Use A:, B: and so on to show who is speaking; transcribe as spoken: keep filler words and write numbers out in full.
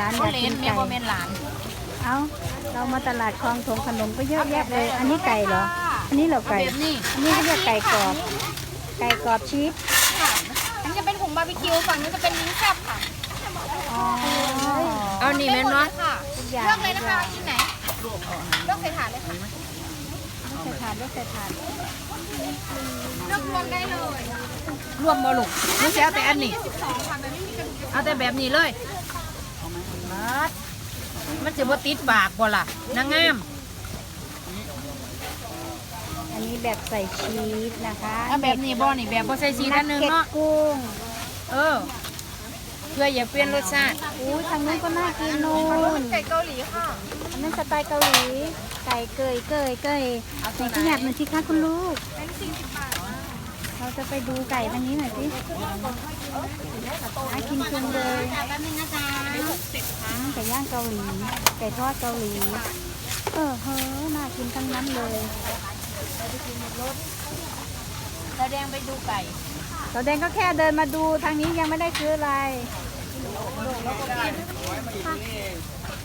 A: านอ
B: เขา
A: ยาก
B: เล
A: กิ
B: น
A: น
B: เม
A: ไก่
B: โบเมนหลาน
A: เอ้าเรามาตลาดคลองถมขนมก็เยอะแยะเลย อันนี้ไก่เหรอ อันนี้เหรอ
B: เอา
A: ไก่
B: แบบนี้
A: อันนี้เขาเรียกไก่กรอบ ไก่กรอบชีส
C: ค่ะอันนี้จะเป็นผงบาร์บีคิวฝั่งนี้จะเป็นลิ้นแซ่บค่ะ
A: อ๋อ
B: เอานี่แม่นเนาะ
C: ค่ะ
A: ทุกอย่าง
C: เลือกเลยนะคะชิ้นไหนเลือกใส่ถาดเลยค่ะ
A: ไม่ใส่ถาดไม่ใส่ถาด
C: เลือกรวมได้เลย
B: รวมบ่ลูกไม่ใช่เอาแต่อันนี้
C: สิบสองค่ะมันไม่มีกระดูก
B: เอาแต่แบบนี้เลยมันจะบ่ติดปากบ่ล่ะนางงาม
A: อันนี้แบบใส่ชีสนะคะ
B: เอาแบบนี้บ่นี่แบบบ่ใส่ชีสอันหนึง
A: เก็ต
B: เนาะ
A: กุ้ง
B: เออเพื่ออย่าเปลี่ยนรสชาติ
A: อุ้ยทางนู้นก็น่ากินนู่น
C: ไก่เกาหลีค่ะ
A: อันนั้นสไตล์เกาหลี ไก่เกยเกยเกยในที่อยากเหมือนที่ค้าคุณลูก
C: เป็นสี่สิบบาท
A: เราจะไปดูไก่ทางนี้หน่อยสิน่ากินจุงเลย
C: แป๊บนึงนะจ๊ะ
A: อืมไก่ย่างเกาหลี ไก่ทอดเกาหลี เออเฮ้อน่ากินทั้งนั้นเลย
B: แล้วแดงไปดูไก่
A: เราแดงก็แค่เดินมาดูทางนี้ยังไม่ได้ซื้ออะไร